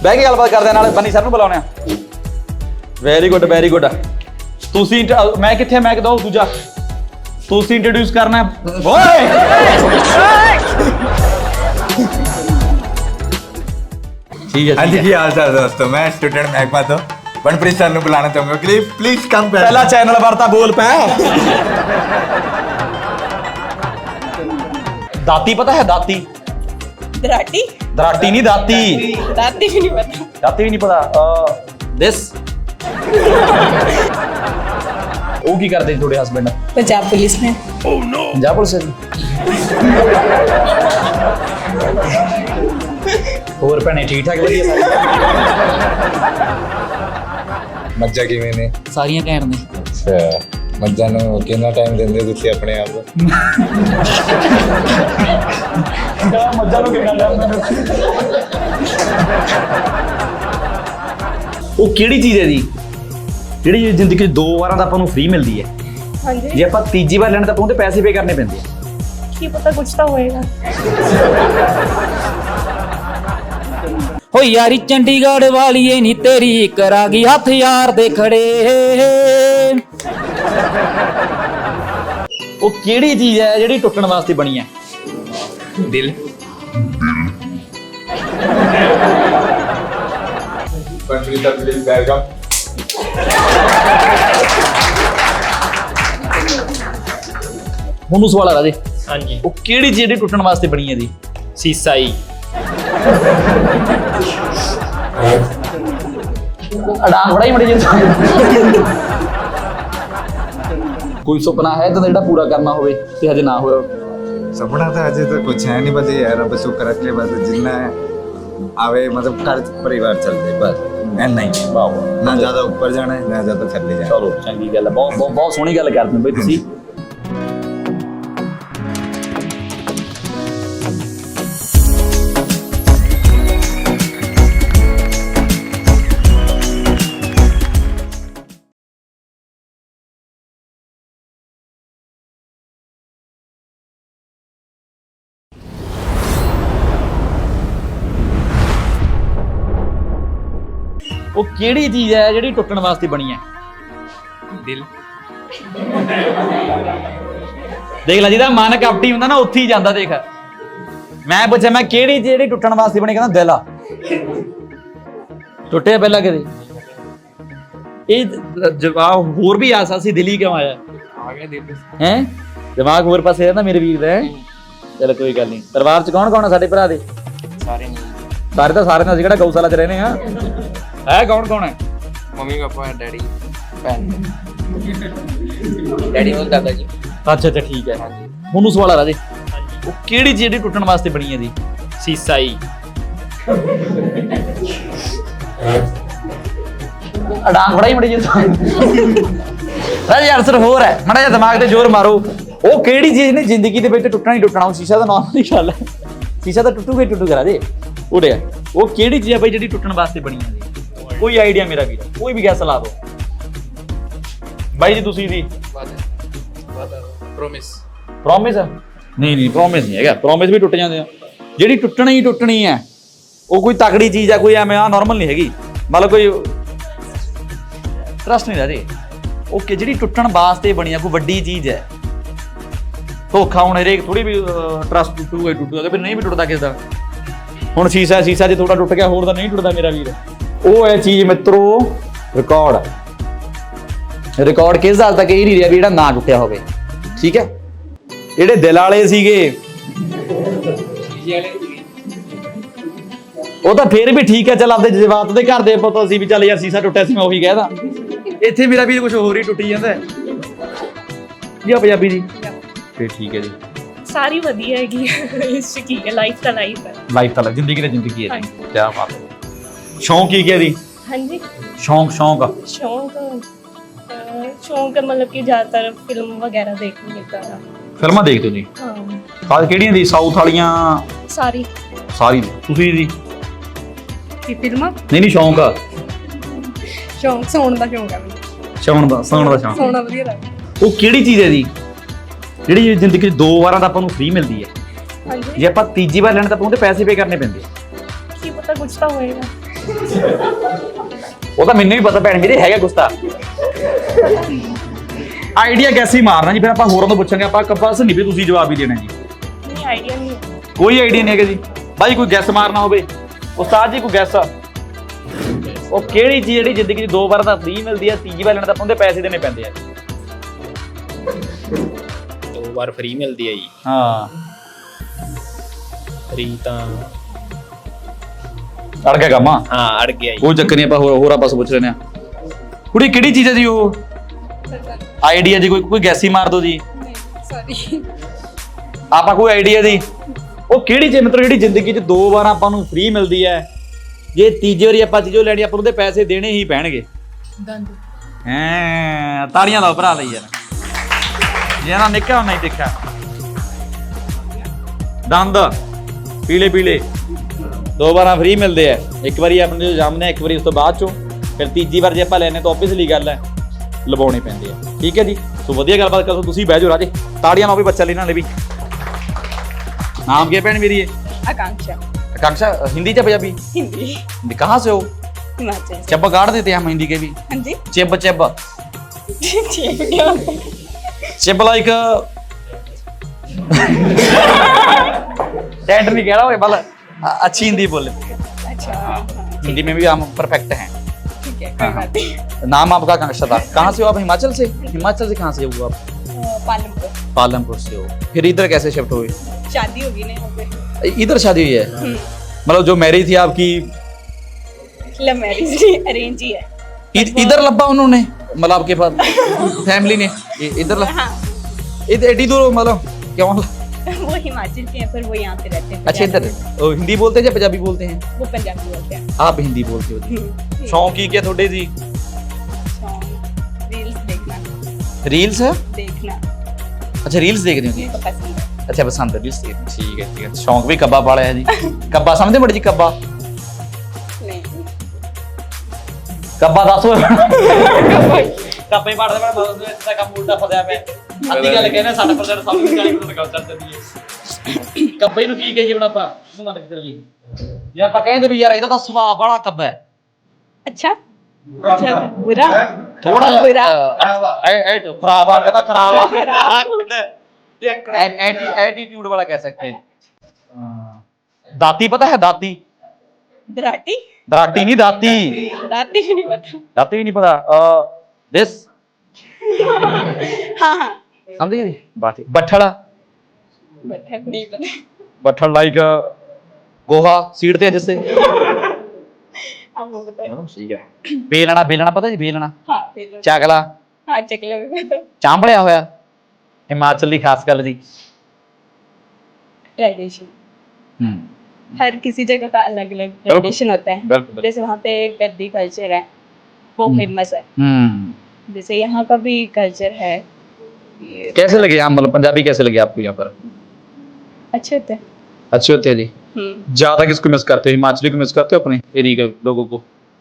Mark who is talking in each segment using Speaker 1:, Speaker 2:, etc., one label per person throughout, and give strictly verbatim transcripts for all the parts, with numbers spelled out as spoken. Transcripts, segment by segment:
Speaker 1: ਬਹਿ ਕੇ ਗੱਲਬਾਤ ਕਰਦੇ ਨਾਲ ਬੰਨੀ ਸਰ ਨੂੰ ਬੁਲਾਉਣੇ ਆ। Very good very good. ਤੁਸੀਂ ਮੈਂ ਕਿੱਥੇ ਮੈਂ ਕਿਦੋਂ ਦੂਜਾ ਤੁਸੀਂ ਇੰਟਰੋਡਿਊਸ ਕਰਨਾ ਓਏ। ठीक है
Speaker 2: हाँ जी हाल चाल दोस्तों, मैं स्टूडेंट महकमा तो बनप्रीत सर ने बुलाना चाहूंगा प्लीज प्लीज कम
Speaker 1: पहला चैनल वार्ता बोल पे दाती पता है दाती
Speaker 3: दराटी
Speaker 1: दराटी नहीं दाती
Speaker 3: दाती भी नहीं पता
Speaker 1: दाती भी नहीं पता दिस वो की करते थोड़े हस्बैंड
Speaker 3: पंजाब पुलिस में
Speaker 1: ओह नो पंजाब पुलिस ਹੋਰ ਭੈਣੇ ਠੀਕ ਠਾਕ ਵਧੀਆ
Speaker 2: ਮੱਝਾਂ ਕਿਵੇਂ ਨੇ?
Speaker 4: ਸਾਰੀਆਂ ਘੈਂਟ ਨੇ।
Speaker 2: ਅੱਛਾ ਮੱਝਾਂ ਨੂੰ ਕਿੰਨਾ ਟਾਈਮ ਦਿੰਦੇ ਤੁਸੀਂ ਆਪਣੇ ਆਪ ਨੂੰ?
Speaker 1: ਮੱਝਾਂ ਨੂੰ ਕਿੰਨਾ ਟਾਈਮ ਦਿੰਦੇ? ਉਹ ਕਿਹੜੀ ਚੀਜ਼ ਹੈ ਜੀ ਜਿਹੜੀ ਜ਼ਿੰਦਗੀ 'ਚ ਦੋ ਵਾਰਾਂ ਤਾਂ ਆਪਾਂ ਨੂੰ ਫ੍ਰੀ ਮਿਲਦੀ ਹੈ?
Speaker 3: ਹਾਂਜੀ
Speaker 1: ਜੇ ਆਪਾਂ ਤੀਜੀ ਵਾਰ ਲੈਣਾ ਤਾਂ ਆਪਾਂ ਉਹਦੇ ਪੈਸੇ ਪੇ ਕਰਨੇ ਪੈਂਦੇ ਆ।
Speaker 3: ਕੀ ਪਤਾ ਕੁਝ ਤਾਂ ਹੋਏਗਾ।
Speaker 4: ਹੋ ਯਾਰੀ ਚੰਡੀਗੜ੍ਹ ਵਾਲੀਏ ਨੀ ਤੇਰੀ ਕਰਾ ਗਈ ਹੱਥ ਯਾਰ ਦੇ ਖੜੇ।
Speaker 1: ਉਹ ਕਿਹੜੀ ਚੀਜ਼ ਹੈ ਜਿਹੜੀ ਟੁੱਟਣ ਵਾਸਤੇ ਬਣੀ ਹੈ?
Speaker 2: ਦਿਲ। Banpreet sir please welcome.
Speaker 1: ਮੈਨੂੰ ਸਵਾਲ ਆ ਰਾਜੇ।
Speaker 4: ਹਾਂਜੀ
Speaker 1: ਉਹ ਕਿਹੜੀ ਚੀਜ਼ ਜਿਹੜੀ ਟੁੱਟਣ ਵਾਸਤੇ ਬਣੀ ਹੈ ਜੀ?
Speaker 4: ਸੀਸਾ ਹੀ
Speaker 1: ਅੜਾਂ ਬੜਾ ਹੀ ਮੜੀ ਜਿੰਦਾ ਕੋਈ ਸੁਪਨਾ ਹੈ ਤਾਂ ਜਿਹੜਾ ਪੂਰਾ ਕਰਨਾ ਹੋਵੇ ਤੇ ਹਜੇ ਨਾ ਹੋਇਆ?
Speaker 2: सपना तो अजय तो कुछ है नहीं, बस ये है रब शुक्र रखे बस जितना है आवे मतलब घर परिवार चलते बस मैं नहीं
Speaker 1: ਵਾਹ
Speaker 2: ना ज्यादा ऊपर जाना है ना ज्यादा थल्ले जाना।
Speaker 1: ਚਲੋ ਚੰਗੀ ਗੱਲ ਹੈ, ਬਹੁਤ ਬਹੁਤ ਬਹੁਤ ਸੋਹਣੀ ਗੱਲ ਕਰਦੇ ਹੋ ਬਈ ਤੁਸੀਂ। ਉਹ ਕਿਹੜੀ ਚੀਜ਼ ਹੈ ਜਿਹੜੀ ਟੁੱਟਣ ਵਾਸਤੇ ਬਣੀ ਹੈ?
Speaker 2: दिल।
Speaker 1: ਦੇਖ ਲੈ ਜਿਹਦਾ ਮਨ ਕਪਟੀ ਹੁੰਦਾ ਨਾ ਉੱਥੇ ਹੀ ਜਾਂਦਾ। ਦੇਖ ਮੈਂ ਪੁੱਛਿਆ ਮੈਂ ਕਿਹੜੀ ਚੀਜ਼ ਜਿਹੜੀ ਟੁੱਟਣ ਵਾਸਤੇ ਬਣੀ, ਕਹਿੰਦਾ ਦਿਲ ਆ। ਟੁੱਟਿਆ ਪਹਿਲਾਂ ਕਦੇ? ਇਹ ਜਵਾਬ ਹੋਰ ਵੀ ਆ ਸਕਦਾ ਸੀ, ਦਿਲ ਹੀ ਕਿਉਂ ਆਇਆ?
Speaker 2: आ गया दिल।
Speaker 1: ਹੈ ਦਿਮਾਗ ਹੋਰ ਪਾਸੇ ਹੈ ਨਾ ਮੇਰੇ ਵੀਰ ਦਾ। ਚਲ ਕੋਈ ਗੱਲ ਨਹੀਂ। ਪਰਿਵਾਰ ਚ ਕੌਣ ਕੌਣ ਆ ਸਾਡੇ ਭਰਾ ਦੇ?
Speaker 2: सारे
Speaker 1: ਸਾਰੇ ਤਾਂ ਸਾਰੇ ਨਾਲ ਅਸੀਂ ਕਿਹੜਾ ਗਊਸ਼ਾਲਾ ਚ ਰਹਿੰਦੇ ਆ। ਹੈ ਕੌਣ ਕੌਣ ਹੈ?
Speaker 2: मम्मी पापा डैडी बहन।
Speaker 4: ਡੈਡੀ ਨੂੰ ਦਾਦਾ ਜੀ।
Speaker 1: ਅੱਛਾ ਅੱਛਾ ਠੀਕ ਹੈ। ਤੁਹਾਨੂੰ ਸਵਾਲ ਆ ਰਾਜੇ। ਉਹ ਕਿਹੜੀ ਚੀਜ਼ ਜਿਹੜੀ ਟੁੱਟਣ ਵਾਸਤੇ ਬਣੀ ਹੈ ਜੀ?
Speaker 4: ਸੀਸਾ ਹੀ
Speaker 1: ਅਡਾਂਗ ਬੜਾ ਹੀ ਮੜੀ ਜਿੰਦਾ ਰਾਜੇ ਆਨਸਰ ਹੋਰ ਹੈ, ਮਾੜਾ ਜਿਹਾ ਦਿਮਾਗ ਤੇ ਜ਼ੋਰ ਮਾਰੋ। ਉਹ ਕਿਹੜੀ ਚੀਜ਼ ਨੇ ਜ਼ਿੰਦਗੀ ਦੇ ਵਿੱਚ ਟੁੱਟਣਾ ਹੀ ਟੁੱਟਣਾ? ਉਹ ਸ਼ੀਸ਼ਾ ਤਾਂ ਨਾਰਮਲ ਹੀ ਗੱਲ ਹੈ, ਸ਼ੀਸ਼ਾ ਤਾਂ ਟੁੱਟੂਗਾ ਹੀ ਟੁੱਟੂਗਾ ਰਾਜੇ। ਉੜਿਆ ਉਹ ਕਿਹੜੀ ਚੀਜ਼ ਹੈ ਬਈ ਜਿਹੜੀ ਟੁੱਟਣ ਵਾਸਤੇ ਬਣੀ ਹੈ ਜੀ? ਕੋਈ ਆਈਡੀਆ ਮੇਰਾ ਵੀਰ, ਕੋਈ ਵੀ ਗੈਸ ਲਾ ਦਿਓ ਬਾਈ ਜੀ। ਤੁਸੀਂ ਜੀ
Speaker 2: प्रॉमिस।
Speaker 1: ਪ੍ਰੋਮਿਸ? ਨਹੀਂ ਨਹੀਂ ਪ੍ਰੋਮਿਸ ਨਹੀਂ ਹੈਗਾ, ਪ੍ਰੋਮਿਸ ਵੀ ਟੁੱਟ ਜਾਂਦੇ ਆ। ਜਿਹੜੀ ਟੁੱਟਣੀ ਹੀ ਟੁੱਟਣੀ ਹੈ ਉਹ ਕੋਈ ਤਕੜੀ ਚੀਜ਼ ਹੈ, ਕੋਈ ਐਵੇਂ ਆ ਨਾਰਮਲ ਨਹੀਂ ਹੈਗੀ। ਮਤਲਬ ਕੋਈ ਟਰਸਟ ਨਹੀਂ ਰਹਦੇ। ਓਕੇ ਜਿਹੜੀ ਟੁੱਟਣ ਵਾਸਤੇ ਬਣੀ ਆ ਕੋਈ ਵੱਡੀ ਚੀਜ਼ ਹੈ। ਧੋਖਾ ਹੁਣ ਹਰੇਕ ਥੋੜੀ ਵੀ ਟਰਸਟ ਟੁੱਟੂਗਾ ਟੁੱਟੂਗਾ, ਫਿਰ ਨਹੀਂ ਵੀ ਟੁੱਟਦਾ ਕਿਸੇ ਦਾ। ਹੁਣ ਸ਼ੀਸ਼ਾ ਸ਼ੀਸ਼ਾ ਜੇ ਥੋੜਾ ਟੁੱਟ ਗਿਆ ਹੋਰ ਤਾਂ ਨਹੀਂ ਟੁੱਟਦਾ ਮੇਰਾ ਵੀਰ। ਉਹ ਹੈ ਚੀਜ਼ ਮਿੱਤਰੋ ਰਿਕਾਰਡ। ਰਿਕਾਰਡ ਕਿਸ ਹਾਲ ਤੱਕ ਇਹ ਨਹੀਂ ਰਿਹਾ ਵੀ ਜਿਹੜਾ ਨਾ ਟੁੱਟਿਆ ਹੋਵੇ। ਠੀਕ ਹੈ, ਜਿਹੜੇ ਦਿਲ ਵਾਲੇ ਸੀਗੇ ਉਹ ਤਾਂ ਫੇਰ ਵੀ ਠੀਕ ਹੈ, ਚੱਲ ਆਪਦੇ ਜਜ਼ਬਾਤ ਦੇ ਘਰ ਦੇ ਪਤਾ ਸੀ ਵੀ ਚੱਲ ਯਾਰ ਸੀਸਾ ਟੁੱਟਿਆ ਸੀ ਮੈਂ ਉਹੀ ਕਹਿਦਾ। ਇੱਥੇ ਮੇਰਾ ਵੀਰ ਕੁਝ ਹੋਰ ਹੀ ਟੁੱਟੀ ਜਾਂਦਾ ਹੈ ਜੀ। ਆ ਪੰਜਾਬੀ ਜੀ ਫੇਰ ਠੀਕ ਹੈ ਜੀ।
Speaker 3: ਸਾਰੀ ਵਧੀਆ ਹੈਗੀ ਇਸ ਚ ਕੀ ਹੈ, ਲਾਈਫ ਤਾਂ ਲਾਈਫ ਹੈ।
Speaker 1: ਲਾਈਫ ਤਾਂ ਜ਼ਿੰਦਗੀ ਤਾਂ ਜ਼ਿੰਦਗੀ ਹੈ ਜੀ। ਕੀ ਬਾਤ ਹੈ। ਸ਼ੌਂਕ ਕੀ ਹੈ ਜੀ?
Speaker 3: ਹਾਂਜੀ
Speaker 1: ਸ਼ੌਂਕ ਸ਼ੌਂਕ
Speaker 3: ਸ਼ੌਂਕ ਅਹ, ਸ਼ੌਂਕ ਮਤਲਬ ਕਿ ਜ਼ਿਆਦਾਤਰ ਫਿਲਮ ਵਗੈਰਾ ਦੇਖਣ ਦਾ।
Speaker 1: ਫਿਲਮਾਂ ਦੇਖਦੇ ਹੋ ਜੀ?
Speaker 3: ਹਾਂ
Speaker 1: ਖਾਸ ਕਿਹੜੀਆਂ ਦੀ? ਸਾਊਥ ਵਾਲੀਆਂ?
Speaker 3: ਸਾਰੀ
Speaker 1: ਸਾਰੀ। ਤੁਸੀਂ ਜੀ?
Speaker 3: ਕੀ ਫਿਲਮਾਂ?
Speaker 1: ਨਹੀਂ ਨਹੀਂ ਸ਼ੌਂਕ ਆ।
Speaker 3: ਸ਼ੌਂਕ ਸੌਣ ਦਾ ਸ਼ੌਂਕ ਹੈ ਮੈਨੂੰ।
Speaker 1: ਸੌਣ ਦਾ ਸੌਣ ਦਾ ਸ਼ੌਂਕ।
Speaker 3: ਸੌਣਾ ਵਧੀਆ ਲੱਗਦਾ।
Speaker 1: ਉਹ ਕਿਹੜੀ ਚੀਜ਼ ਹੈ ਜੀ ਜਿਹੜੀ ਜ਼ਿੰਦਗੀ 'ਚ ਦੋ ਵਾਰਾਂ ਤਾਂ ਆਪਾਂ ਨੂੰ ਫ੍ਰੀ ਮਿਲਦੀ ਹੈ?
Speaker 3: ਹਾਂਜੀ
Speaker 1: ਜੇ ਆਪਾਂ ਤੀਜੀ ਵਾਰ ਲੈਣਾ ਤਾਂ ਆਪਾਂ ਉਹਦੇ ਪੈਸੇ ਪੇ ਕਰਨੇ ਪੈਂਦੇ ਆ।
Speaker 3: ਕੀ ਪਤਾ ਕੁਝ ਤਾਂ ਹੋਏਗਾ।
Speaker 1: ਉਹ ਤਾਂ ਮੈਨੂੰ ਵੀ ਪਤਾ ਭੈਣ ਮੇਰੇ ਹੈਗਾ ਗੁੱਸਾ। ਆਈਡੀਆ ਕੈਸੇ ਮਾਰਨਾ ਜੀ, ਫਿਰ ਆਪਾਂ ਹੋਰਾਂ ਤੋਂ ਪੁੱਛਾਂਗੇ। ਆਪਾਂ ਕੰਪਲਸ ਨਹੀਂ ਵੀ ਤੁਸੀਂ ਜਵਾਬ ਹੀ ਦੇਣਾ ਜੀ।
Speaker 3: नहीं आइडिया नहीं है।
Speaker 1: ਕੋਈ ਆਈਡੀਆ ਨਹੀਂ ਹੈਗਾ ਜੀ ਬਾਈ, ਕੋਈ ਗੈਸ ਮਾਰਨਾ ਹੋਵੇ। ਉਸਤਾਦ ਜੀ ਕੋਈ ਗੈਸ। ਉਹ ਕਿਹੜੀ ਚੀਜ਼ ਜਿਹੜੀ ਜ਼ਿੰਦਗੀ 'ਚ ਦੋ ਵਾਰ ਤਾਂ ਫ੍ਰੀ ਮਿਲਦੀ ਹੈ, ਤੀਜੀ ਵਾਰ ਲੈਣ ਤਾਂ ਉਹਦੇ ਪੈਸੇ ਦੇਣੇ ਪੈਂਦੇ ਆ।
Speaker 5: ਦੋ ਵਾਰ ਫ੍ਰੀ ਮਿਲਦੀ ਹੈ ਜੀ।
Speaker 1: ਹਾਂ
Speaker 5: ਫ੍ਰੀ ਤਾਂ
Speaker 1: ਅੜ ਗਿਆ ਕੰਮ।
Speaker 5: ਹਾਂ ਅੜ ਗਿਆ ਜੀ।
Speaker 1: ਕੋਈ ਚੱਕਰ ਨਹੀਂ, ਆਪਾਂ ਹੋਰ ਹੋਰ ਆਪਾਂ ਪੁੱਛ ਲੈਣੇ ਆ। ਕੁੜੀ ਕਿਹੜੀ ਚੀਜ਼ ਹੈ ਜੀ ਉਹ? ਆਈਡੀਆ ਜੀ ਕੋਈ ਕੋਈ ਗੈਸ ਹੀ ਮਾਰ ਦਿਓ ਜੀ।
Speaker 3: सॉरी।
Speaker 1: ਆਪਾਂ ਕੋਈ ਆਈਡੀਆ ਜੀ ਉਹ ਕਿਹੜੀ ਚੀਜ਼, ਮਤਲਬ ਜਿਹੜੀ ਜ਼ਿੰਦਗੀ 'ਚ ਦੋ ਵਾਰ ਆਪਾਂ ਨੂੰ ਫ੍ਰੀ ਮਿਲਦੀ ਹੈ, ਜੇ ਤੀਜੀ ਵਾਰੀ ਆਪਾਂ ਚੀਜ਼ੋਂ ਲੈਣੀ ਆਪਾਂ ਨੂੰ ਉਹਦੇ ਪੈਸੇ ਦੇਣੇ ਹੀ ਪੈਣਗੇ।
Speaker 3: दंद।
Speaker 1: ਹੈਂ, ਤਾੜੀਆਂ ਲਾਓ ਭਰਾ ਲਈ ਯਾਰ, ਜੇ ਨਾ ਨਿੱਕਾ ਨਹੀਂ ਦੇਖਿਆ। ਦੰਦ ਪੀਲੇ ਪੀਲੇ ਦੋ ਵਾਰਾਂ ਫ੍ਰੀ ਮਿਲਦੇ ਆ, ਇੱਕ ਵਾਰੀ ਆਪਣੇ ਜੋ ਜੰਮਦੇ, ਇੱਕ ਵਾਰੀ ਉਸ ਤੋਂ ਬਾਅਦ ਚੋਂ, ਫਿਰ ਤੀਜੀ ਵਾਰ ਜੇ ਆਪਾਂ ਲੈਣੇ ਤਾਂ ਆਬਵੀਅਸਲੀ ਗੱਲ ਹੈ ਲਵਾਉਣੇ ਪੈਂਦੇ ਆ। ਠੀਕ ਹੈ ਜੀ, ਸੋ ਵਧੀਆ ਗੱਲਬਾਤ ਕਰੋ। ਤੁਸੀਂ ਬਹਿ ਜਾਓ ਰਾਜੇ, ਤਾੜੀਆਂ ਲਾਓ ਵੀ ਬੱਚਾ ਲਈ ਨਾਲੇ ਵੀ। ਨਾਮ ਕੀ ਹੈ ਭੈਣ ਮੇਰੀ?
Speaker 3: आकांक्षा।
Speaker 1: आकांक्षा हिंदी या पंजाबी?
Speaker 3: हिंदी।
Speaker 1: कहाँ से हो?
Speaker 3: हिमाचल से।
Speaker 1: चब्बा गाड़ देते हैं हम हिंदी के भी।
Speaker 3: हाँ जी।
Speaker 1: चिब चिब
Speaker 3: ठीक है।
Speaker 1: चिब लाइक टेंट नहीं कह रहा हूँ, बल अच्छी हिंदी बोले।
Speaker 3: अच्छा हाँ,
Speaker 1: हिंदी में भी हम परफेक्ट हैं।
Speaker 3: ठीक है कोई बात नहीं।
Speaker 1: नाम आपका आकांक्षा था। कहाँ से हो आप? हिमाचल से? हिमाचल से कहाँ से हो आप?
Speaker 3: अ, पालमपुर।
Speaker 1: पालमपुर से हो, फिर इधर कैसे शिफ्ट हुए?
Speaker 3: शादी होगी ना यहाँ पे।
Speaker 1: इधर शादी हुई है? मतलब जो मैरिज थी आपकी
Speaker 3: लव मैरिज नहीं, अरेंज ही है।
Speaker 1: इ- इधर लब्बा उन्होंने, मतलब आपके पास फैमिली ने इ- इधर लब-
Speaker 3: हाँ।
Speaker 1: इधर एडी दूर मतलब क्यों?
Speaker 3: वो हिमाचल के हैं पर वो यहाँ पे रहते हैं।
Speaker 1: अच्छा इधर ओ, हिंदी बोलते हैं या पंजाबी बोलते हैं?
Speaker 3: वो पंजाबी बोलते हैं।
Speaker 1: आप हिंदी बोलते हो जी।
Speaker 3: हम्म।
Speaker 1: शौक ही क्या थोड़े जी?
Speaker 3: सॉन्ग रील्स देखना।
Speaker 1: रील्स है?
Speaker 3: देखना
Speaker 1: अच्छा रील्स देख रहे हो जी।
Speaker 3: मेरे को पसंद है।
Speaker 1: अच्छा पसंद है रील्स देख, ठीक है ठीक है। शौक भी कब्बा पाला है जी। कब्बा समझते बड़े जी? कब्बा
Speaker 3: नहीं।
Speaker 1: कब्बा दसो कब्बे पढ़दे मैं मतलब इसदा काम उल्टा फसया पे ਅੱਧੀ ਗੱਲ ਕਹਿੰਦੇ साठ परसेंट ਸਭ ਨੂੰ ਚਾਲੀ परसेंट ਗੱਲ ਚੱਲ ਜਾਂਦੀ ਹੈ। ਕੱਬੇ ਨੂੰ ਕੀ ਕਹੀਏ ਹੁਣ ਆਪਾਂ? ਤੂੰ ਮੰਨ ਕੇ ਚੱਲ ਜੀ, ਜੇ ਆਪਾਂ ਕਹਿੰਦੇ ਵੀ ਯਾਰ ਇਹਦਾ ਤਾਂ ਸੁਭਾਅ ਬੜਾ ਕੱਬਾ ਹੈ।
Speaker 3: अच्छा अच्छा बुरा
Speaker 1: ਥੋੜਾ
Speaker 3: बुरा
Speaker 1: ਐ ਐ ਖਰਾਬ ਆ, ਕਹਿੰਦਾ ਖਰਾਬ ਆ, एटीट्यूड वाला कह सकते हैं। दाती पता है? दाती
Speaker 3: दराटी
Speaker 1: दाती नहीं दाती
Speaker 3: दाती नहीं पता।
Speaker 1: दाती भी नहीं पता। दिस
Speaker 3: हाँ हाँ
Speaker 1: समझ गए? बात बठड़ा
Speaker 3: बट नहीं पता।
Speaker 1: बठड़ लाइक गोहा सीड़ते हैं जिससे।
Speaker 3: अब वो बताओ।
Speaker 1: ठीक है। बेलना बेलना पता जी? बेलना
Speaker 3: हाँ फिर
Speaker 1: चकला
Speaker 3: हाँ चकला भी पता।
Speaker 1: चांबड़िया होया हिमाचल की खास गल जी।
Speaker 3: ट्रेडिशन हर किसी जगह का अलग अलग ट्रेडिशन होता है।
Speaker 1: बिल्कुल।
Speaker 3: जैसे वहाँ पे गद्दी कल्चर है वो
Speaker 1: हम्म।
Speaker 3: फेमस है।
Speaker 1: हम्म
Speaker 3: जैसे यहाँ का भी कल्चर है। ये
Speaker 1: कैसे लगे यहाँ, मतलब पंजाबी कैसे लगे आपको यहाँ पर?
Speaker 3: अच्छे होते हैं।
Speaker 1: अच्छे होते हैं जी।
Speaker 3: हम्म।
Speaker 1: ज्यादा किसको मिस करते हो? हिमाचली को मिस करते हो अपने एरिया के लोगों को?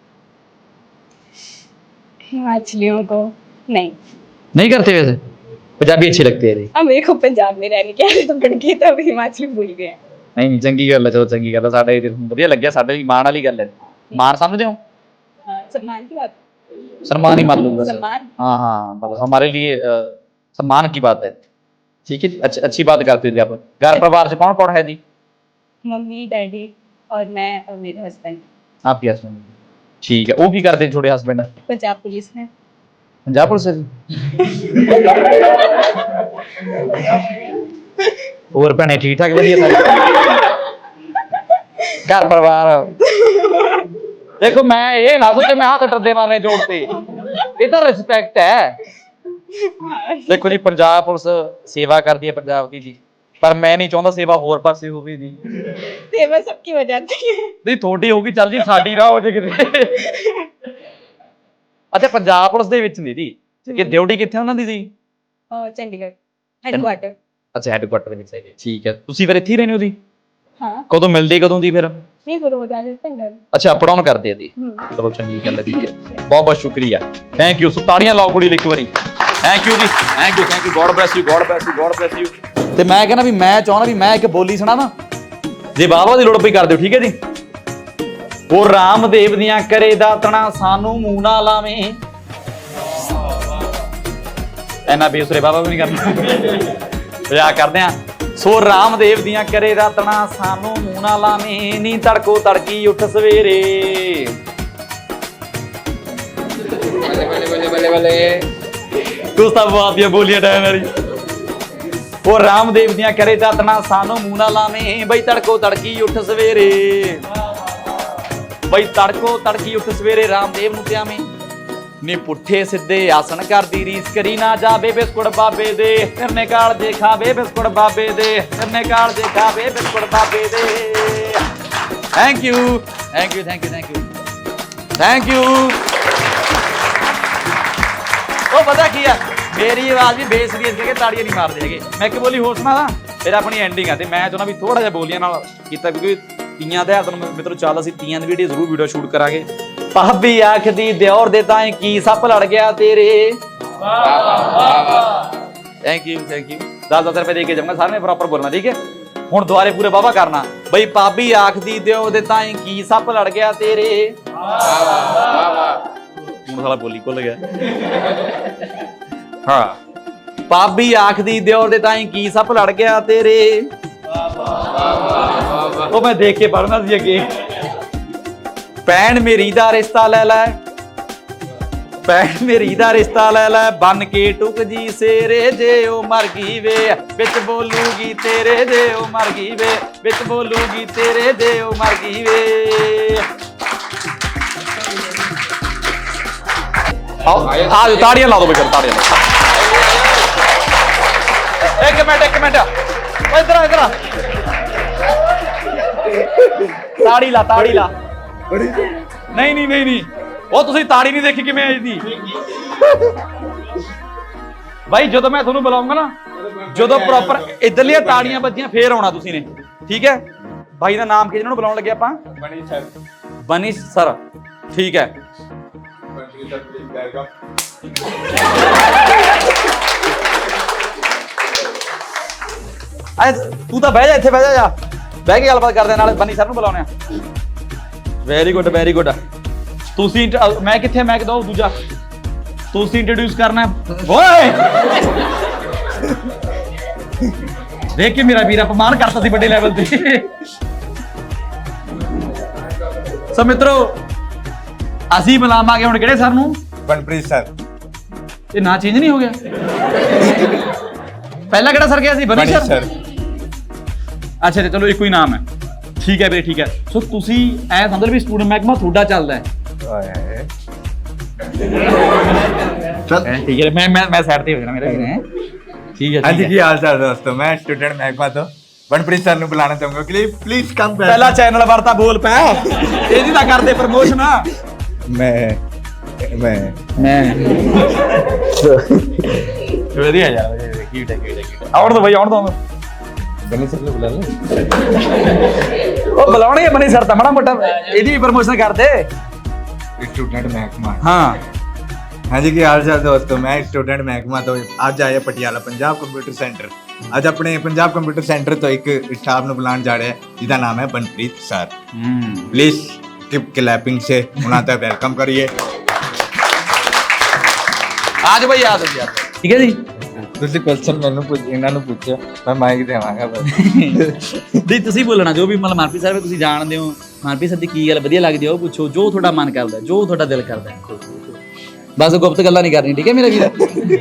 Speaker 3: हिमाचलियों को नहीं।
Speaker 1: नहीं करते वैसे? पंजाबी अच्छे लगते हैं जी।
Speaker 3: अब मेरे को पंजाब में रहने के आदत पड़ गई तो अब हिमाचली भूल गए।
Speaker 1: नहीं चंगी गल है, चलो चंगी गल है। ਸਾਡੇ ਵਧੀਆ ਲੱਗਿਆ, ਸਾਡੇ ਮਾਣ ਵਾਲੀ ਗੱਲ ਹੈ। ਮਾਣ समझते हो?
Speaker 3: हाँ, सम्मान की बात।
Speaker 1: सम्मान ही मान लो बस।
Speaker 3: सम्मान।
Speaker 1: हाँ हाँ मतलब हमारे लिए अ, सम्मान की बात है। ठीक है जी, अच्छी अच्छी बात करते थे आप। घर परिवार से कौन कौन है जी?
Speaker 3: मम्मी डैडी और मैं और मेरे हस्बैंड।
Speaker 1: आपके हस्बैंड? ठीक है। वो भी करते हैं छोटे हस्बैंड?
Speaker 3: पंजाब पुलिस में।
Speaker 1: पंजाब पुलिस से? और भैने ठीक ठाक वधिया सारे घर परिवार? देखो मैं ये ना सोचे मैं हाथ डरदे मारने जोड़ते, ये तो रिस्पेक्ट है। देखो जी पंजाब पुलिस सेवा करती है पंजाब की जी, पर मैं नहीं चाहता सेवा होर पासे होवे जी।
Speaker 3: सेवा सबकी हो जाती है।
Speaker 1: नहीं थोड़ी होगी चल जी, साडी ना हो जे किते। अच्छा पंजाब पुलिस ਦੇ ਵਿੱਚ ਨਹੀਂ ਜੀ, ਇਹ ਡਿਊਟੀ ਕਿੱਥੇ ਉਹਨਾਂ ਦੀ ਜੀ?
Speaker 3: और चंडीगढ़ हेडक्वार्टर।
Speaker 1: ਅੱਛਾ ਹੈਡਕੁਆਟਰ ਦੇ ਵਿੱਚ ਹੈ ਜੀ। ਠੀਕ ਹੈ। ਤੁਸੀਂ ਫਿਰ ਇੱਥੇ ਹੀ ਰਹਿੰਦੇ ਹੋ ਜੀ?
Speaker 3: हाँ
Speaker 1: ਕਦੋਂ ਮਿਲਦੇ ਕਦੋਂ ਜੀ ਫਿਰ?
Speaker 3: नहीं फिर हो जाते हैं घर।
Speaker 1: ਅੱਛਾ ਅਪ ਡਾਊਨ ਕਰਦੇ ਆ ਜੀ।
Speaker 3: हम्म।
Speaker 1: ਚਲੋ ਚੰਗੀ ਗੱਲ ਹੈ ਜੀ। ਬਹੁਤ ਬਹੁਤ ਸ਼ੁਕਰੀਆ, ਥੈਂਕ ਯੂ। ਸੋ ਤਾੜੀਆਂ ਲਾਓ ਕੁੜੀ ਲਈ ਇੱਕ ਵਾਰੀ। ਥੈਂਕ ਯੂ ਜੀ, thank you thank you. God bless you, god bless you, god bless you. ਤੇ ਮੈਂ ਕਹਿੰਦਾ ਵੀ ਮੈਂ ਚਾਹੁੰਦਾ ਵੀ ਮੈਂ ਇੱਕ ਬੋਲੀ ਸੁਣਾਵਾਂ, ਜੇ ਬਾਬਾ ਦੀ ਲੋੜ ਪਈ ਕਰ ਦਿਓ, ਠੀਕ ਹੈ ਜੀ? ਉਹ ਰਾਮਦੇਵ ਦੀਆਂ ਕਰੇ ਦਾਤਣਾ ਸਾਨੂੰ ਮੂੰਹ ਨਾ ਲਾਵੇਂ। ਐਨਾ ਬੇਸੁਰੇ ਬਾਬਾ ਵੀ ਨਹੀਂ ਕਰਨਾ, ਮਜ਼ਾਕ ਕਰਦੇ ਆ। ਸੋ ਰਾਮਦੇਵ ਦੀਆਂ ਕਰੇ ਦਾਤਣਾ ਸਾਨੂੰ ਮੂੰਹ ਨਾ ਲਾਵੇਂ, ਨੀ ਤੜਕੋ ਤੜਕੀ ਉੱਠ ਸਵੇਰੇ। ਤੂੰ ਤਾਂ ਬਾਤੀਆਂ ਬੋਲੀਆਂ ਟਾਈਮ ਵਾਲੀ। ਉਹ ਰਾਮਦੇਵ ਦੀਆਂ ਕਰੇ ਦਾਤਣਾ ਸਾਨੂੰ ਮੂੰਹ ਨਾ ਲਾਵੇਂ, ਬਈ ਤੜਕੋ ਤੜਕੀ ਉੱਠ ਸਵੇਰੇ। ਬਈ ਤੜਕੋ ਤੜਕੀ ਉੱਠ ਸਵੇਰੇ ਰਾਮਦੇਵ ਨੂੰ ਧਿਆਵੇਂ, ਨੀ ਪੁੱਠੇ ਸਿੱਧੇ ਆਸਣ ਕਰਦੀ ਰੀਸ ਕਰੀ ਨਾ ਜਾਵੇ ਬਿਸਕੁਟ ਬਾਬੇ ਦੇ। ਫਿਰਨੇ ਕਾਲ ਜੇ ਖਾਵੇ ਬਿਸਕੁਟ ਬਾਬੇ ਦੇ, ਫਿਰਨੇ ਕਾਲ ਜੇ ਖਾਵੇ ਬਿਸਕੁਟ ਬਾਬੇ ਦੇ। Thank you thank you thank you thank you thank you. ਉਹ ਪਤਾ ਕੀ ਆ, ਮੇਰੀ ਆਵਾਜ਼ ਵੀ ਬੇਸ ਦੀ ਇਸ ਕਰਕੇ ਤਾੜੀਆਂ ਨਹੀਂ ਮਾਰਦੇ ਹੈਗੇ। ਮੈਂ ਇੱਕ ਬੋਲੀ ਹੋਰ ਸੁਣਾ ਫਿਰ ਆਪਣੀ ਐਂਡਿੰਗ ਆ, ਤੇ ਮੈਂ ਚਾਹੁੰਦਾ ਵੀ ਥੋੜਾ ਜਿਹਾ ਬੋਲੀਆਂ ਨਾਲ ਕੀਤਾ, ਕਿਉਂਕਿ ਤੀਆਂ ਦੇ ਤੁਹਾਨੂੰ ਮਿੱਤਰੋ ਚੱਲ ਅਸੀਂ ਤੀਆਂ ਦੀ ਵੀਡੀਓ ਜ਼ਰੂਰ ਵੀਡੀਓ ਸ਼ੂਟ ਕਰਾਂਗੇ। ਭਾਬੀ ਆਖਦੀ ਦਿਓਰ ਦੇ ਤਾਂ ਕੀ ਸੱਪ ਲੜ ਗਿਆ ਤੇਰੇ। ਵਾਹ ਵਾਹ ਵਾਹ। Thank you thank you. ਦਸ ਦਸ ਰੁਪਏ ਦੇ ਕੇ ਜਾਊਂਗਾ, ਸਾਰਿਆਂ ਨੇ ਪ੍ਰੋਪਰ ਬੋਲਣਾ, ਠੀਕ ਹੈ। ਹੁਣ ਦੁਬਾਰੇ ਪੂਰੇ ਵਾਵਾ ਕਰਨਾ। ਬਈ ਭਾਬੀ ਆਖਦੀ ਦਿਓਰ ਦੇ ਤਾਂ ਕੀ ਸੱਪ ਲੜ ਗਿਆ ਤੇਰੇ। ਵਾਹ ਵਾਹ ਵਾਹ। ਹੁਣ ਸਾਲਾ ਬੋਲੀ ਭੁੱਲ ਗਿਆ। ਹਾਂ, ਭਾਬੀ ਆਖਦੀ ਦਿਓਰ ਦੇ ਤਾਂ ਕੀ ਸੱਪ ਲੜ ਗਿਆ ਤੇਰੇ। ਉਹ ਮੈਂ ਦੇਖ ਕੇ ਪੜਨਾ ਸੀ ਅੱਗੇ। ਭੈਣ ਮੇਰੀ ਦਾ ਰਿਸ਼ਤਾ ਲੈ ਲੈ, ਭੈਣ ਮੇਰੀ ਦਾ ਰਿਸ਼ਤਾ ਲੈ ਲੈ, ਬਨ ਕੇ ਟੁਕ ਜੀ ਸੇਰੇ ਜੇ ਉਹ ਮਰ ਗਈ ਵੇ, ਵਿੱਚ ਬੋਲੂਗੀ ਤੇਰੇ ਜੇ ਉਹ ਮਰ ਗਈ ਵੇ, ਵਿੱਚ ਬੋਲੂਗੀ ਤੇਰੇ ਜੇ ਉਹ ਮਰ ਗਈ ਵੇ। ਆਓ ਆ ਜਾਓ, ਤਾੜੀਆਂ ਲਾ ਦੋ ਬਈ, ਤਾੜੀਆਂ ਲਾ। ਇੱਕ ਮਿੰਟ ਇੱਕ ਮਿੰਟ, ਇਧਰ ਇਧਰ ਤਾੜੀ ਲਾ ਤਾੜੀ ਲਾ। ਨਹੀਂ ਨਹੀਂ ਨਹੀਂ ਨਹੀਂ, ਉਹ ਤੁਸੀਂ ਤਾੜੀ ਨਹੀਂ ਦੇਖੀ ਕਿਵੇਂ ਆਈ ਦੀ ਬਾਈ। ਜਦੋਂ ਮੈਂ ਤੁਹਾਨੂੰ ਬੁਲਾਉਂਗਾ ਨਾ, ਜਦੋਂ ਪ੍ਰੋਪਰ ਇਧਰਲੀਆਂ ਤਾੜੀਆਂ ਵੱਜੀਆਂ ਫੇਰ ਆਉਣਾ ਤੁਸੀਂ ਨੇ, ਠੀਕ ਹੈ। ਬਾਈ ਦਾ ਨਾਮ ਕੀ ਜਿਹਨਾਂ ਨੂੰ ਬੁਲਾਉਣ ਲੱਗੇ ਆਪਾਂ? ਬਨੀਸ਼ ਸਰ। ਬਨੀਸ਼ ਸਰ, ਠੀਕ ਹੈ। ਆ ਤੂੰ ਤਾਂ ਬਹਿ ਜਾ, ਇੱਥੇ ਬਹਿ ਜਾ, ਜਾ ਬਹਿ ਕੇ ਗੱਲਬਾਤ ਕਰਦੇ ਨਾਲ। ਬਨੀ ਸਰ ਨੂੰ ਬੁਲਾਉਣੇ ਆ। Very good very good. ਤੁਸੀਂ ਮੈਂ ਕਿੱਥੇ ਮੈਂ ਕਿਦੋਂ ਦੂਜਾ ਤੁਸੀਂ ਇੰਟਰੋਡਿਊਸ ਕਰਨਾ ਓਏ। ਦੇਖ ਕੇ ਮੇਰਾ ਵੀਰ ਅਪਮਾਨ ਕਰਤਾ ਸੀ ਵੱਡੇ ਲੈਵਲ ਤੇ। ਸੋ ਮਿੱਤਰੋ ਅਸੀਂ ਬੁਲਾਵਾਂਗੇ ਹੁਣ ਕਿਹੜੇ ਸਰ ਨੂੰ?
Speaker 2: बनप्रीत सर।
Speaker 1: ਇਹ ਨਾਂ ਚੇਂਜ ਨਹੀਂ ਹੋ ਗਿਆ? ਪਹਿਲਾਂ ਕਿਹੜਾ ਸਰ ਗਿਆ ਸੀ? ਬਨੀ ਸਰ। ਅੱਛਾ ਜੀ, ਚਲੋ ਇੱਕੋ ਹੀ ਨਾਮ ਹੈ, ਠੀਕ ਹੈ ਵੀਰੇ ਠੀਕ ਹੈ। ਸੋ ਤੁਸੀਂ ਐ ਸਮਝ ਲਓ ਵੀ ਸਟੂਡੈਂਟ ਮਹਿਕਮਾ ਤੁਹਾਡਾ ਚੱਲਦਾ ਹੈ। ਠੀਕ ਹੈ, ਮੈਂ ਮੈਂ ਮੈਂ ਸਾਈਡ ਤੇ ਹੋ ਜਾਣਾ ਮੇਰਾ ਵੀਰੇ। ਠੀਕ ਹੈ।
Speaker 2: ਹਾਂਜੀ ਕੀ ਹਾਲ ਚਾਲ ਦੋਸਤੋ, ਮੈਂ ਸਟੂਡੈਂਟ ਮਹਿਕਮਾ ਤੋਂ बनप्रीत सर ਨੂੰ ਬੁਲਾਣਾ ਚਾਹੂੰਗਾ ਕਿ ਪਲੀਜ਼ ਕਮ।
Speaker 1: ਪਹਿਲਾ ਚੈਨਲ ਵਰਤਾ ਬੋਲ ਪੈ, ਇਹਦੀ ਤਾਂ ਕਰਦੇ ਪ੍ਰਮੋਸ਼ਨ।
Speaker 2: ਮੈਂ ਮੈਂ
Speaker 1: ਮੈਂ ਵਧੀਆ ਯਾਰ, ਕਿਊਟ ਹੈ ਕਿਊਟ ਹੈ। ਆਉਣ ਦੋ ਬਈ ਆਉਣ ਦੋ।
Speaker 2: ਬਨੀ ਸਰ ਨੂੰ ਬੁਲਾ ਲਓ।
Speaker 1: ਉਹ ਬੁਲਾਉਣਗੇ ਬਨੀ ਸਰ ਤਾਂ, ਮਾੜਾ ਮੋਟਾ ਇਹਦੀ ਵੀ ਪ੍ਰਮੋਸ਼ਨ ਕਰਦੇ।
Speaker 2: स्टूडेंट महकमा।
Speaker 1: हाँ
Speaker 2: हाँ जी की हाल चाल दोस्तों, मैं स्टूडेंट महकमा तो अज आया पटियाला पंजाब कंप्यूटर सेंटर। अज अपने पंजाब कंप्यूटर सेंटर तो एक स्टाफ ਨੂੰ ਬੁਲਾਉਣ ਜਾ ਰਿਹਾ ਹੈ ਜਿਹਦਾ ਨਾਮ ਹੈ Banpreet sir. Please keep clapping से ਉਹਨਾਂ ਦਾ ਵੈਲਕਮ ਕਰੀਏ।
Speaker 1: ਆ ਜਾਓ ਬਈ ਆ ਜਾਓ ਯਾਰ, ਠੀਕ ਹੈ ਜੀ।
Speaker 2: ਤੁਸੀਂ ਕੁਐਸਚਨ ਮੈਨੂੰ ਪੁੱਛ, ਇਹਨਾਂ ਨੂੰ ਪੁੱਛੋ, ਮੈਂ ਮਾਈਕ ਦੇਵਾਂਗਾ ਬਸ।
Speaker 1: ਨਹੀਂ ਤੁਸੀਂ ਬੋਲਣਾ ਜੋ ਵੀ, ਮਤਲਬ ਮਨਪ੍ਰੀਤ ਸਰ ਤੁਸੀਂ ਜਾਣਦੇ ਹੋ, ਮਨਪ੍ਰੀਤ ਸਰ ਦੀ ਕੀ ਗੱਲ ਵਧੀਆ ਲੱਗਦੀ ਹੈ ਉਹ ਪੁੱਛੋ, ਜੋ ਤੁਹਾਡਾ ਮਨ ਕਰਦਾ, ਜੋ ਤੁਹਾਡਾ ਦਿਲ ਕਰਦਾ, ਬਸ ਗੁਪਤ ਗੱਲਾਂ ਨਹੀਂ ਕਰਨੀ, ਠੀਕ ਹੈ ਮੇਰੇ ਵੀਰ।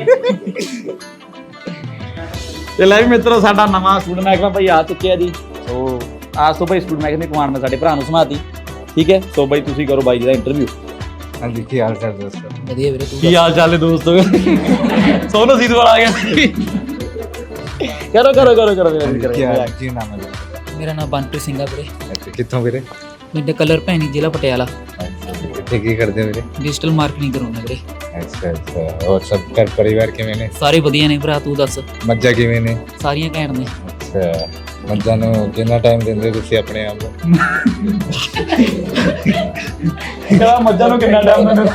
Speaker 1: ਤੇ ਲੈ ਵੀ ਮਿੱਤਰੋ, ਸਾਡਾ ਨਵਾਂ ਸਟੂਡੈਂਟ ਮਹਿਕਮਾ ਭਾਈ ਆ ਚੁੱਕਿਆ ਜੀ। ਸੋ ਆਜ ਤੋਂ ਭਾਈ ਸਟੂਡੈਂਟ ਮਹਿਕਮੇ ਕਮਾਂਡ ਮੈਂ ਸਾਡੇ ਭਰਾ ਨੂੰ ਸਮਾਤੀ, ਠੀਕ ਹੈ। ਸੋ ਬਾਈ ਤੁਸੀਂ ਕਰੋ ਬਾਈ ਜੀ ਦਾ ਇੰਟਰਵਿਊ।
Speaker 2: ਹਾਂਜੀ ਕੀ ਹਾਲ ਚਾਲ ਦੋਸਤੋ?
Speaker 4: ਵਧੀਆ ਵੀਰੇ, ਤੂੰ
Speaker 1: ਕੀ ਹਾਲ ਚਾਲ ਹੈ ਦੋਸਤੋ? ਸੋਨੂ ਸੀਧ ਵਾਲਾ ਆ ਗਿਆ। ਕਰੋ ਕਰੋ ਕਰੋ ਕਰੋ ਵੀਰੇ,
Speaker 2: ਕੀ
Speaker 1: ਕਰੋ।
Speaker 2: ਹਾਲ ਕੀ ਨਾਮ ਹੈ?
Speaker 4: ਮੇਰਾ ਨਾਮ ਬੰਟੂ ਸਿੰਘ ਆ ਵੀਰੇ।
Speaker 2: ਅੱਛਾ ਕਿੱਥੋਂ ਵੀਰੇ?
Speaker 4: ਪਿੰਡ ਕਲਰ ਭੈਣੀ, ਜ਼ਿਲ੍ਹਾ ਪਟਿਆਲਾ।
Speaker 2: ਇੱਥੇ ਕੀ ਕਰਦੇ ਹੋ ਵੀਰੇ?
Speaker 4: ਡਿਜੀਟਲ ਮਾਰਕੀਟਿੰਗ ਕਰਾਉਣਾ ਵੀਰੇ।
Speaker 2: ਅੱਛਾ ਅੱਛਾ, ਹੋਰ ਸਭ ਘਰ ਪਰਿਵਾਰ ਕਿਵੇਂ ਨੇ?
Speaker 4: ਸਾਰੇ ਵਧੀਆ ਨੇ ਭਰਾ, ਤੂੰ ਦੱਸ?
Speaker 2: ਮੱਝਾਂ ਕਿਵੇਂ ਨੇ?
Speaker 4: ਸਾਰੀਆਂ ਘੈਂਟ ਨੇ।
Speaker 2: ਅੱਛਾ, ਮੱਝਾਂ ਨੂੰ ਕਿੰਨਾ ਟਾਈਮ ਦਿੰਦੇ ਤੁਸੀਂ ਆਪਣੇ ਆਪ ਨੂੰ?
Speaker 1: ਕਹਿੰਦਾ ਮੱਝਾਂ ਨੂੰ ਕਿੰਨਾ ਟਾਈਮ ਮੈਨੂੰ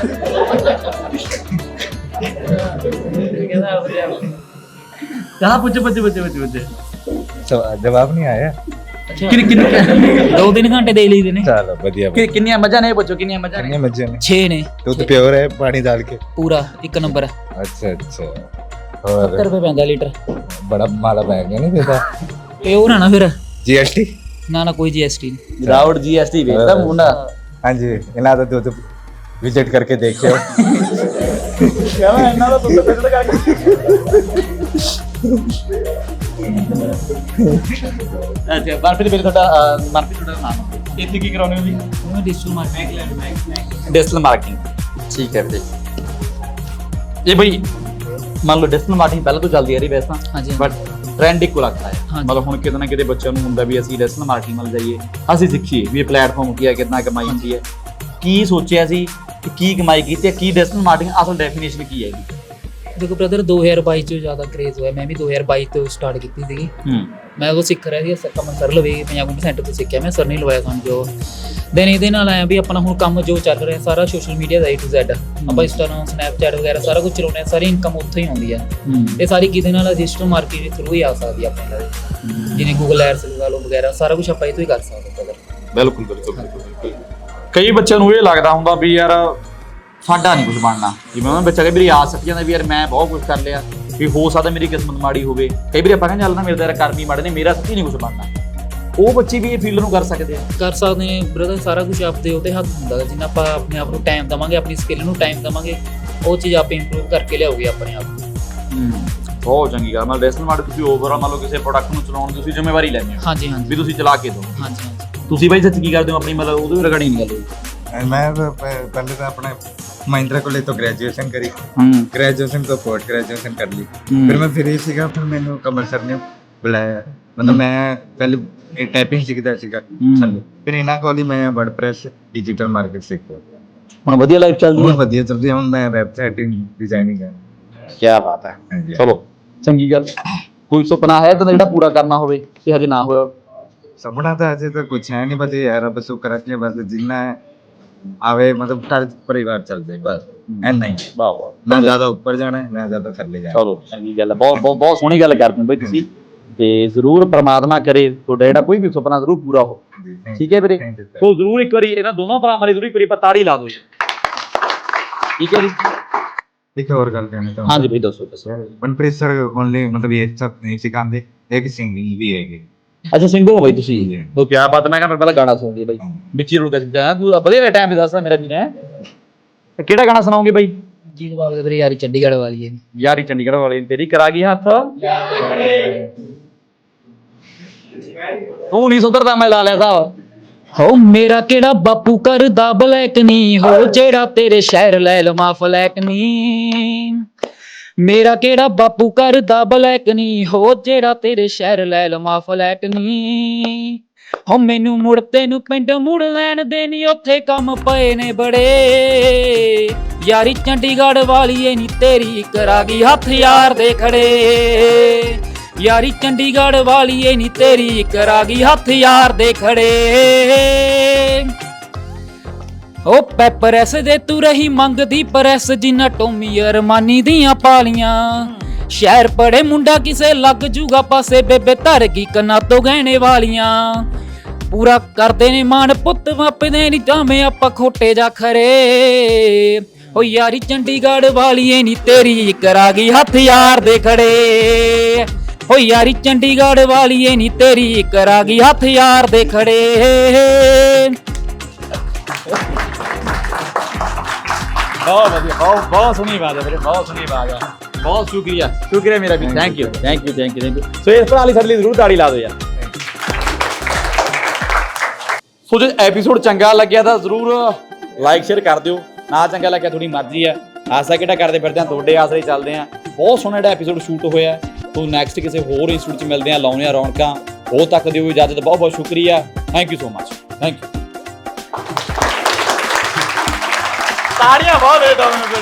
Speaker 1: ਕਹਾ ਪੁੱਛ ਪੁੱਛ ਪੁੱਛ ਪੁੱਛ ਪੁੱਛ
Speaker 2: ਜਵਾਬ ਨਹੀਂ ਆਇਆ?
Speaker 4: ਅੱਛਾ
Speaker 1: ਕਿੰਨੇ ਕਿੰਨੇ
Speaker 4: ਦੋ ਤਿੰਨ ਘੰਟੇ ਦੇ ਲਈਦੇ ਨੇ
Speaker 2: चलो बढ़िया
Speaker 1: ਕਿ- ਕਿੰਨੀਆਂ ਮੱਝਾਂ ਨੇ ਇਹ ਪੁੱਛੋ ਕਿੰਨੀਆਂ ਮੱਝਾਂ ਨੇ?
Speaker 2: कितने मजे में
Speaker 4: ਛੇ ਨੇ
Speaker 2: दूध प्योर है पानी डाल के
Speaker 4: ਪੂਰਾ ਇੱਕ ਨੰਬਰ
Speaker 2: अच्छा अच्छा
Speaker 4: ਸੱਤਰ
Speaker 2: और
Speaker 4: ਰੁਪਏ ਪੈਂਦਾ ਲੀਟਰ
Speaker 2: बड़ा माला बैग है नहीं देता
Speaker 4: ਤੇ ਉਹ ਨਾ ਫਿਰ
Speaker 2: जीएसटी
Speaker 4: ਨਾ ਨਾ ਕੋਈ ਜੀਐਸਟੀ ਨਹੀਂ
Speaker 1: ਵਿਦਆਊਟ ਜੀਐਸਟੀ ਵੇਚਦਾ ਮੁੰਡਾ
Speaker 2: हाँ जी इना तो दूध विजिट करके देखियो
Speaker 1: ਕਹਿੰਦਾ ਇਹਨਾਂ ਦਾ ਦੁੱਧ ਵਿਜ਼ਿਟ ਕਰਕੇ ਅੱਛਾ ਮਨਪ੍ਰੀਤ ਵੀਰੇ ਤੁਹਾਡਾ ਅਹ, ਮਨਪ੍ਰੀਤ ਤੁਹਾਡਾ ਨਾਮ ਇੱਥੇ ਕੀ ਕਰਾਉਂਦੇ ਹੋ ਜੀ?
Speaker 4: ਉਹ ਡਿਜੀਟਲ ਮਾਰਕੀਟਿੰਗ
Speaker 1: ਡਿਜੀਟਲ ਮਾਰਕੀਟਿੰਗ ਠੀਕ ਹੈ ਵੀਰੇ ਇਹ ਬਈ ਮੰਨ ਲਓ ਡਿਜੀਟਲ ਮਾਰਕੀਟਿੰਗ ਪਹਿਲਾਂ ਤੋਂ ਚੱਲਦੀ ਆ ਰਹੀ ਵੈਸੇ ਤਾਂ
Speaker 4: ਹਾਂਜੀ
Speaker 1: ਬਟ ਟ੍ਰੈਂਡ ਇੱਕੋ ਲੱਗਦਾ ਹੈ
Speaker 4: ਹਾਂਜੀ।
Speaker 1: ਮਤਲਬ ਹੁਣ ਕਿਤੇ ਨਾ ਕਿਤੇ ਬੱਚਿਆਂ ਨੂੰ ਹੁੰਦਾ ਵੀ ਅਸੀਂ ਡਿਜੀਟਲ ਮਾਰਕੀਟਿੰਗ ਵੱਲ ਜਾਈਏ ਅਸੀਂ ਸਿੱਖੀਏ ਵੀ ਇਹ ਪਲੇਟਫਾਰਮ ਕੀ ਹੈ ਕਿੰਨਾ ਕਮਾਈ ਹੁੰਦੀ ਹੈ ਕੀ ਸੋਚਿਆ ਸੀ ਕਿ ਕੀ ਕਮਾਈ ਕੀਤੀ ਹੈ ਕੀ ਡਿਜੀਟਲ ਮਾਰਕੀਟਿੰਗ ਅਸਲ ਡੈਫੀਨੇਸ਼ਨ ਕੀ ਹੈ ਇਹਦੀ?
Speaker 4: ਦੇਖੋ ਬ੍ਰਦਰ ਦੋ ਹਜ਼ਾਰ ਬਾਈ ਚ ਜ਼ਿਆਦਾ ਕ੍ਰੇਜ਼ ਹੋਇਆ ਮੈਂ ਵੀ ਦੋ ਹਜ਼ਾਰ ਬਾਈ ਤੋਂ ਸਟਾਰਟ ਕੀਤੀ ਸੀਗੀ
Speaker 1: ਹੂੰ
Speaker 4: ਮੈਂ ਉਹ ਸਿੱਖ ਰਿਹਾ ਸੀ ਕਮਨ ਸਰ ਲਵੇ ਪੰਜਾਬ ਕੰਪਿਊਟਰ ਸੈਂਟਰ ਤੋਂ ਸਿੱਖਿਆ ਮੈਂ ਸਰ ਨਹੀਂ ਲਵਾਇਆ ਸਾਨੂੰ ਜੋ ਦੈਨ ਇਹਦੇ ਨਾਲ ਆਇਆ ਵੀ ਆਪਣਾ ਹੁਣ ਕੰਮ ਜੋ ਚੱਲ ਰਿਹਾ ਸਾਰਾ ਸੋਸ਼ਲ ਮੀਡੀਆ ਦਾ ਏ ਟੂ ਜ਼ੈਡ ਆਪਾਂ ਇੰਸਟਾਗ੍ਰਾਮ ਸਨੈਪਚੈਟ ਵਗੈਰਾ ਸਾਰਾ ਕੁਝ ਚਲਾਉਂਦੇ ਆ ਸਾਰੀ ਇਨਕਮ ਉੱਥੋਂ ਹੀ ਆਉਂਦੀ ਹੈ ਇਹ ਸਾਰੀ ਕਿਤੇ ਨਾਲ ਡਿਜੀਟਲ ਮਾਰਕੀਟ ਦੇ ਥਰੂ ਹੀ ਆ ਸਕਦੀ ਹੈ ਆਪਣੇ ਨਾਲ ਜਿਵੇਂ ਗੂਗਲ ਐਡਸ ਲਗਾ ਲਓ ਵਗੈਰਾ ਸਾਰਾ ਕੁਝ ਆਪਾਂ ਇਹ ਤੋਂ ਹੀ ਕਰ ਸਕਦੇ ਹਾਂ brother।
Speaker 1: ਬਿਲਕੁਲ ਬਿਲਕੁਲ ਬਿਲਕੁਲ ਕਈ ਬੱਚਿਆਂ ਨੂੰ ਇਹ ਲੱਗਦਾ ਹੁੰਦਾ ਵੀ ਯਾਰ ਸਾਡਾ ਨਹੀਂ ਕੁਝ ਬਣਨਾ ਜਿਵੇਂ ਉਹਨਾਂ ਬੱਚਾ ਕਈ ਵਾਰੀ ਆਸ ਰੱਖ ਜਾਂਦਾ ਵੀ ਯਾਰ ਮੈਂ ਬਹੁਤ ਕੁਝ ਕਰ ਲਿਆ ਵੀ ਹੋ ਸਕਦਾ ਮੇਰੀ ਕਿਸਮਤ ਮਾੜੀ ਹੋਵੇ ਕਈ ਵਾਰੀ ਆਪਾਂ ਕਹਿੰਦੇ ਚੱਲ ਨਾ ਮੇਰੇ ਤਾਂ ਯਾਰ ਕਰਮ ਹੀ ਮਾੜੇ ਨੇ ਮੇਰਾ ਸੱਚੀ ਨਹੀਂ ਕੁਝ ਬਣਨਾ ਉਹ ਬੱਚੇ ਵੀ ਇਹ ਫੀਲਡ ਨੂੰ ਕਰ ਸਕਦੇ ਆ
Speaker 4: ਕਰ ਸਕਦੇ ਨੇ ਬ੍ਰਦਰ ਸਾਰਾ ਕੁਝ ਆਪਦੇ ਉਹਦੇ ਹੱਥ ਹੁੰਦਾ ਗਾ। ਜਿੰਨਾ ਆਪਾਂ ਆਪਣੇ ਆਪ ਨੂੰ ਟਾਈਮ ਦੇਵਾਂਗੇ ਆਪਣੀ ਸਕਿੱਲ ਨੂੰ ਟਾਈਮ ਦੇਵਾਂਗੇ ਉਹ ਚੀਜ਼ ਆਪੇ ਇੰਪਰੂਵ ਕਰਕੇ ਲਿਆਓਗੇ ਆਪਣੇ ਆਪ ਨੂੰ।
Speaker 1: ਬਹੁਤ ਚੰਗੀ ਗੱਲ ਮਤਲਬ ਡਿਜੀਟਲ ਮਾਰਕੀਟ ਤੁਸੀਂ ਓਵਰਆਲ ਮੰਨ ਲਓ ਕਿਸੇ ਪ੍ਰੋਡਕਟ ਨੂੰ ਚਲਾਉਣ ਦੀ ਤੁਸੀਂ ਜ਼ਿੰਮੇਵਾਰੀ ਲੈਂਦੇ ਹੋ
Speaker 4: ਹਾਂਜੀ
Speaker 1: ਵੀ
Speaker 4: ਹਾਂਜੀ
Speaker 1: ਤੁਸੀਂ ਚਲਾ ਕੇ ਦਿਓ
Speaker 4: ਹਾਂਜੀ ਹਾਂਜੀ
Speaker 1: ਤੁਸੀਂ ਬਾਈ ਸੱਚ ਕੀ ਕਰਦੇ ਹੋ ਆਪਣੀ ਮਤਲਬ ਉਹਦੇ ਵੀ ਰਿਗਾਰਡਿੰਗ ਗੱਲ ਹੋਈ
Speaker 2: मैं तो प- पहले तो अपने महिंद्रा कॉलेज तो ग्रेजुएशन करी
Speaker 1: ਹੂੰ
Speaker 2: ग्रेजुएशन तो पोस्ट ग्रेजुएशन कर ली
Speaker 1: हम्म।
Speaker 2: फिर मैं फ्री सीखा फिर मैंने कमल सर ने बुलाया मतलब मैं पहले टाइपिंग सीखता सीखा
Speaker 1: हम्म।
Speaker 2: फिर इना कॉलेज मैं वर्डप्रेस डिजिटल मार्केट सीखा
Speaker 1: ਹੁਣ ਵਧੀਆ ਲਾਈਫ ਚੱਲਦੀ
Speaker 2: बहुत बढ़िया चलती है मैं वेबसाइट डिजाइनिंग है
Speaker 1: ਕੀ ਬਾਤ ਹੈ
Speaker 2: हाँ जी।
Speaker 1: ਚਲੋ ਚੰਗੀ ਗੱਲ ਕੋਈ ਸੁਪਨਾ ਹੈ ਤਾਂ ਜਿਹੜਾ ਪੂਰਾ ਕਰਨਾ ਹੋਵੇ ਤੇ ਹਜੇ ਨਾ ਹੋਇਆ
Speaker 2: सपना तो ऐसे तो कुछ है नहीं बस ये यार बस शुक्र है बस जीना है आवे मतलब सारे परिवार चल जाए बस है नहीं
Speaker 1: ਵਾਹ ਵਾਹ
Speaker 2: ना ज्यादा ऊपर जाना है ना ज्यादा थल्ले जाना
Speaker 1: ਚਲੋ ਚੰਗੀ ਗੱਲ ਹੈ ਬਹੁਤ ਬਹੁਤ ਬਹੁਤ ਸੋਹਣੀ ਗੱਲ ਕਰਦੇ ਹੋ ਬਈ ਤੁਸੀਂ ਤੇ ਜ਼ਰੂਰ ਪ੍ਰਮਾਤਮਾ ਕਰੇ ਤੁਹਾਡਾ ਜਿਹੜਾ ਕੋਈ ਵੀ ਸੁਪਨਾ ਜ਼ਰੂਰ ਪੂਰਾ ਹੋ
Speaker 2: है।
Speaker 1: ਠੀਕ ਹੈ ਵੀਰੇ
Speaker 2: Thank you, sir।
Speaker 1: ਸੋ ਜ਼ਰੂਰ ਇੱਕ ਵਾਰੀ ਇਹਨਾਂ ਦੋਨੋਂ ਭਰਾਵਾਂ ਲਈ ਜ਼ਰੂਰ ਇੱਕ ਵਾਰੀ ਆਪਾਂ ਤਾੜੀ ਲਾ ਦਿਓ ਜੀ ਠੀਕ ਹੈ ਜੀ
Speaker 2: ठीक है और गल कहना चाहूँ
Speaker 1: ਹਾਂਜੀ ਬਈ ਦੱਸੋ ਦੱਸੋ
Speaker 2: मनप्रीत सर ओनली मतलब ये सब नहीं सिखाते एक सिंगिंग भी है
Speaker 1: ਅੱਛਾ ਸਿੰਘੋ ਹੋ ਬਈ ਤੁਸੀਂ ਉਹ ਕੀ ਬਾਤ ਮੈਂ ਕਹਿੰਦਾ ਪਹਿਲਾਂ ਗਾਣਾ ਸੁਣਦੇ ਬਈ ਵਿੱਚ ਹੀ ਰੁਕ ਗਿਆ ਤੂੰ ਵਧੀਆ ਟਾਈਮ ਤੇ ਦੱਸਦਾ ਮੇਰਾ ਜੀ ਨੇ ਕਿਹੜਾ ਗਾਣਾ ਸੁਣਾਓਗੇ ਬਈ
Speaker 4: ਜੀ ਜਵਾਬ ਦੇ ਵੀਰੇ ਯਾਰੀ ਚੰਡੀਗੜ੍ਹ ਵਾਲੀ ਹੈ
Speaker 1: ਯਾਰੀ ਚੰਡੀਗੜ੍ਹ ਵਾਲੀ ਤੇਰੀ ਕਰਾ ਗਈ ਹੱਥ ਤੂੰ ਨਹੀਂ ਸੁਧਰਦਾ ਮੈਂ ਲਾ ਲਿਆ ਸਾਹਿਬ
Speaker 4: ਹੋ ਮੇਰਾ ਕਿਹੜਾ ਬਾਪੂ ਕਰਦਾ ਬਲੈਕ ਨਹੀਂ ਹੋ ਜਿਹੜਾ ਤੇਰੇ ਸ਼ਹਿਰ ਲੈ ਲਵਾਂ ਫਲੈਕ ਨਹੀਂ ਮੇਰਾ ਕਿਹੜਾ ਬਾਪੂ ਕਰਦਾ ਬਲੈਕ ਨਹੀਂ ਹੋ ਜਿਹੜਾ ਤੇਰੇ ਸ਼ਹਿਰ ਲੈ ਲਵਾਂ ਫਲੈਕ ਨਹੀਂ ਹੋ ਮੈਨੂੰ ਮੁੜ ਤੈਨੂੰ ਪਿੰਡ ਮੁੜ ਲੈਣ ਦੇ ਨੀ ਉੱਥੇ ਕੰਮ ਪਏ ਨੇ ਬੜੇ ਯਾਰੀ ਚੰਡੀਗੜ੍ਹ ਵਾਲੀ ਏ ਨੀ ਤੇਰੀ ਕਰਾ ਗਈ ਹੱਥ ਯਾਰ ਦੇ ਖੜੇ ਯਾਰੀ ਚੰਡੀਗੜ੍ਹ ਵਾਲੀ ਏ ਨੀ ਤੇਰੀ ਕਰਾ ਗਈ ਹੱਥ ਯਾਰ ਦੇ ਖੜੇ ਓ ਪੈਪਰੈਸ ਦੇ ਤੂੰ ਰਹੀ ਮੰਗਦੀ ਪ੍ਰੈਸ ਜਿੰਨਾ ਟੋਮੀ ਅਰਮਾਨੀ ਦੀਆਂ ਪਾਲੀਆਂ ਸ਼ਹਿਰ ਪੜੇ ਮੁੰਡਾ ਕਿਸੇ ਲੱਗ ਜੂਗਾ ਪਾਸੇ ਬੇਬੇ ਧਰ ਗਈ ਕੰਨਾਂ ਤੋਂ ਗਹਿਣੇ ਵਾਲੀਆਂ ਪੂਰਾ ਕਰਦੇ ਨੇ ਮਾਣ ਪੁੱਤ ਵਾਪਦੇ ਨੀ ਜਾਵੇਂ ਆਪਾਂ ਖੋਟੇ ਜਾ ਖਰੇ ਓ ਯਾਰੀ ਚੰਡੀਗੜ੍ਹ ਵਾਲੀ ਏ ਨੀ ਤੇਰੀ ਕਰਾ ਗਈ ਹੱਥ ਯਾਰ ਦੇ ਖੜੇ ਓ ਯਾਰੀ ਚੰਡੀਗੜ੍ਹ ਵਾਲੀ ਏ ਨੀ ਤੇਰੀ ਕਰਾ ਗਈ ਹੱਥ ਯਾਰ ਦੇ ਖੜੇ
Speaker 1: ਬਹੁਤ ਵਧੀਆ ਬਹੁਤ ਬਹੁਤ ਸੋਹਣੀ ਆਵਾਜ਼ ਹੈ ਵੀਰੇ ਬਹੁਤ ਸੋਹਣੀ ਆਵਾਜ਼ ਹੈ ਬਹੁਤ ਸ਼ੁਕਰੀਆ ਸ਼ੁਕਰੀਆ ਮੇਰਾ ਵੀ thank you thank you thank you thank you so ਇਸ ਭਰਾ ਲਈ ਸਾਡੇ ਲਈ ਜ਼ਰੂਰ ਤਾੜੀ ਲਾ ਦਿਓ ਯਾਰ ਸੋ ਜੇ ਐਪੀਸੋਡ ਚੰਗਾ ਲੱਗਿਆ ਤਾਂ ਜ਼ਰੂਰ ਲਾਈਕ ਸ਼ੇਅਰ ਕਰ ਦਿਓ ਨਾ ਚੰਗਾ ਲੱਗਿਆ ਤੁਹਾਡੀ ਮਰਜ਼ੀ ਆ ਆਸਾ ਕਿਹੜਾ ਕਰਦੇ ਫਿਰਦੇ ਆ ਤੁਹਾਡੇ ਆਸਰੇ ਚੱਲਦੇ ਆ ਬਹੁਤ ਸੋਹਣਾ ਜਿਹੜਾ ਐਪੀਸੋਡ ਸ਼ੂਟ ਹੋਇਆ ਸੋ ਨੈਕਸਟ ਕਿਸੇ ਹੋਰ ਇੰਸਟੀਟਿਊਟ 'ਚ ਮਿਲਦੇ ਆ ਲਾਉਂਦੇ ਆ ਰੌਣਕਾਂ ਉਹ ਤੱਕ ਦਿਓ ਇਜਾਜ਼ਤ ਬਹੁਤ ਬਹੁਤ ਸ਼ੁਕਰੀਆ thank you so much thank you ਤਾੜੀਆਂ ਬਹੁਤ ਦੇ ਦੋ